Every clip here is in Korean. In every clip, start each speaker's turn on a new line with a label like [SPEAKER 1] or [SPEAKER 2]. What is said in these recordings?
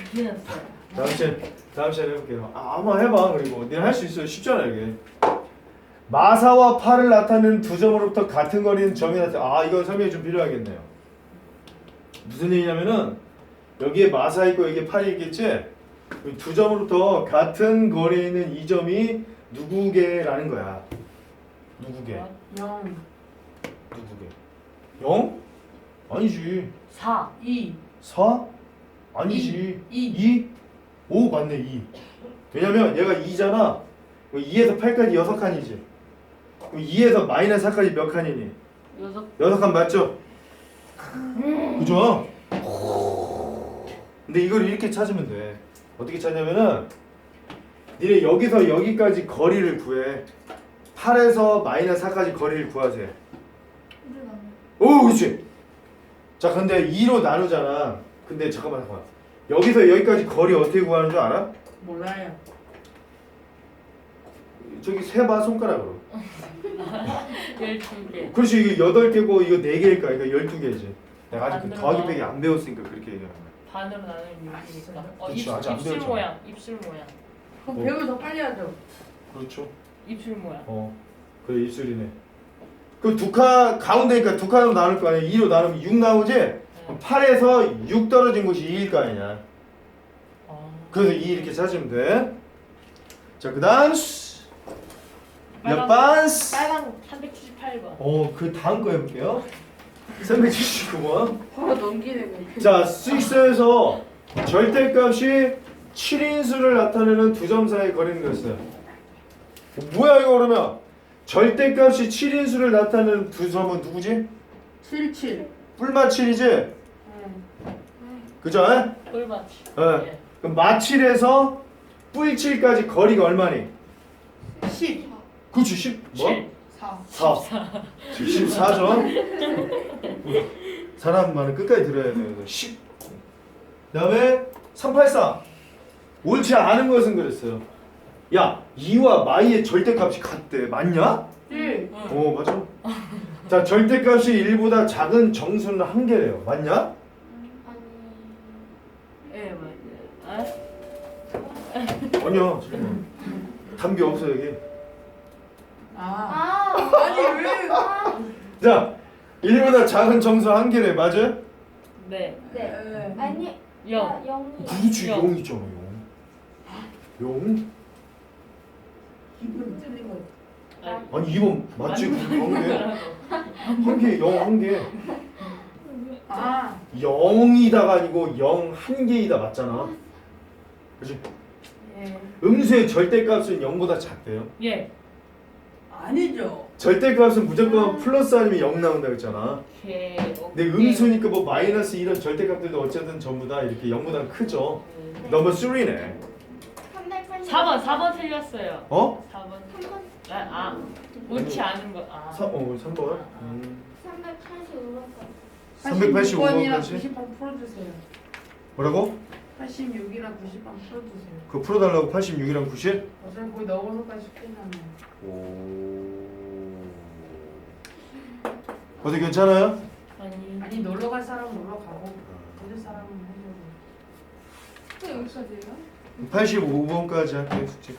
[SPEAKER 1] 틀렸어요. 다음 시간에 해볼게요. 한번 해봐. 그리고 니네 할 수 있어요. 쉽잖아 이게. 마사와 팔을 나타내는 두 점으로부터 같은 거리는 점이 나타나. 이거 설명이 좀 필요하겠네요. 무슨 얘기냐면은 여기에 마사 있고 여기에 팔이 있겠지? 두 점으로부터 같은 거리에 있는 이 점이 누구게라는 거야. 누구게?
[SPEAKER 2] 0
[SPEAKER 1] 누구게? 0? 아니지.
[SPEAKER 2] 4 2
[SPEAKER 1] 4? 아니지.
[SPEAKER 2] 2
[SPEAKER 1] 5 맞네 2. 왜냐면 얘가 2잖아. 2에서 8까지 6칸이지. 2에서 마이너스 4까지 몇 칸이니? 6칸 맞죠? 그죠? 근데 이걸 이렇게 찾으면 돼. 어떻게 찾냐면은 니네 여기서 여기까지 거리를 구해. 8에서 마이너스 4까지 거리를 구하세요. 오 그렇지. 자 근데 2로 나누잖아. 근데 잠깐만. 여기서 여기까지 거리 어떻게 구하는 줄 알아?
[SPEAKER 2] 몰라요.
[SPEAKER 1] 저기 세봐 손가락으로.
[SPEAKER 2] 12개.
[SPEAKER 1] 그렇지 이게 8개고 이거 4개일까? 그러니까 12개지. 내가 아직 그
[SPEAKER 2] 만들어.
[SPEAKER 1] 더하기 빼기 안 배웠으니까 그렇게 얘기하는 거야.
[SPEAKER 2] 반으로 나누면 6이니까.
[SPEAKER 1] 그치, 아직 안
[SPEAKER 2] 입술
[SPEAKER 1] 배웠잖아.
[SPEAKER 2] 모양. 입술 모양.
[SPEAKER 3] 그럼
[SPEAKER 1] 뭐.
[SPEAKER 3] 배우면 더 빨리 하죠.
[SPEAKER 1] 그렇죠.
[SPEAKER 2] 입술 모양.
[SPEAKER 1] 그래 입술이네. 그 두 칸 가운데니까 두 칸으로 나눌 거 아니야. 2로 나누면 6 나오지? 그럼 8에서 6 떨어진 곳이 2일 거 아니냐. 그래서 2 이렇게 찾으면 돼. 자 그다음 몇 번?
[SPEAKER 2] 빨간 378번.
[SPEAKER 1] 그 다음 거 해볼게요. 379번.
[SPEAKER 3] 바로 넘기는 거.
[SPEAKER 1] 자, 6에서 절대값이 7인수를 나타내는 두 점 사이의 거리는 거였어요. 뭐야 이거 그러면? 절대값이 7인수를 나타내는 두 점은 누구지?
[SPEAKER 3] 77.
[SPEAKER 1] 뿔마 7이지? 그죠?
[SPEAKER 2] 꿀맞이.
[SPEAKER 1] 네. 그럼 마7에서 뿔7까지 거리가 얼마니?
[SPEAKER 3] 10.
[SPEAKER 1] 그치 10 뭐?
[SPEAKER 3] 4.
[SPEAKER 1] 4 14점. 사람 말은 끝까지 들어야 돼요. 10. 그다음에 384. 옳지 않은 것은 그랬어요. 야, 2와 마이의 절대값이 같대. 맞냐?
[SPEAKER 3] 1.
[SPEAKER 1] 맞아. 자, 절대값이 1보다 작은 정수는 한 개래요. 맞냐?
[SPEAKER 2] 예, 맞아요.
[SPEAKER 1] 아니야. 잠깐만. 담배 없어 여기.
[SPEAKER 3] 아니 왜?
[SPEAKER 1] 자, 1보다 작은 정수 한 개래. 맞아?
[SPEAKER 2] 네.
[SPEAKER 3] 네.
[SPEAKER 4] 아니,
[SPEAKER 2] 0.
[SPEAKER 4] 0이.
[SPEAKER 1] 그렇지.
[SPEAKER 2] 영.
[SPEAKER 1] 0이잖아. 0.
[SPEAKER 3] 기분 틀린 거.
[SPEAKER 1] 아니 2번 맞지? 한 개. 0 한 개. 0이다가 아니고 0 한 개이다 맞잖아. 그렇지? 음수의 절대값은 0보다 작대요.
[SPEAKER 2] 예.
[SPEAKER 3] 아니죠.
[SPEAKER 1] 절대값은 무조건 플러스 아니면 0 나온다 그랬잖아.
[SPEAKER 2] 오케이.
[SPEAKER 1] 근데 음수니까 뭐 마이너스 이런 절대값들도 어쨌든 전부 다 이렇게 0보다 크죠. 넘버 3네.
[SPEAKER 2] 4번 틀렸어요. 4번.
[SPEAKER 4] 3번,
[SPEAKER 2] 옳지 않은 거.
[SPEAKER 1] 3번.
[SPEAKER 4] 385번.
[SPEAKER 3] 86번이랑
[SPEAKER 1] 385번까지.
[SPEAKER 3] 90번 풀어주세요.
[SPEAKER 1] 뭐라고?
[SPEAKER 3] 86이랑 90번 풀어주세요.
[SPEAKER 1] 그거 풀어달라고 86이랑 90?
[SPEAKER 3] 어차피 거기 넣어서까지 끝나네.
[SPEAKER 1] 어떻게 괜찮아요?
[SPEAKER 3] 아니 놀러 갈 사람은 놀러 가고 들을 사람은 해주고.
[SPEAKER 4] 여기까지예요?
[SPEAKER 1] 85번까지 할게요 숙제.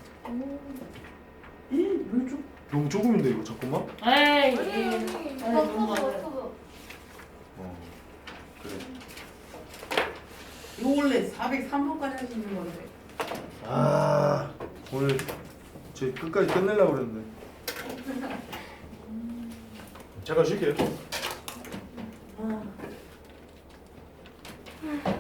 [SPEAKER 3] 왜 좀?
[SPEAKER 1] 너무 조금인데 이거 잠깐만.
[SPEAKER 2] 에이.
[SPEAKER 4] 너무 많아요.
[SPEAKER 1] 그래.
[SPEAKER 3] 이거 원래 403번까지 할 수 있는 건데.
[SPEAKER 1] 오늘 제 끝까지 끝내려고 그랬는데. 잠깐 쉴게요.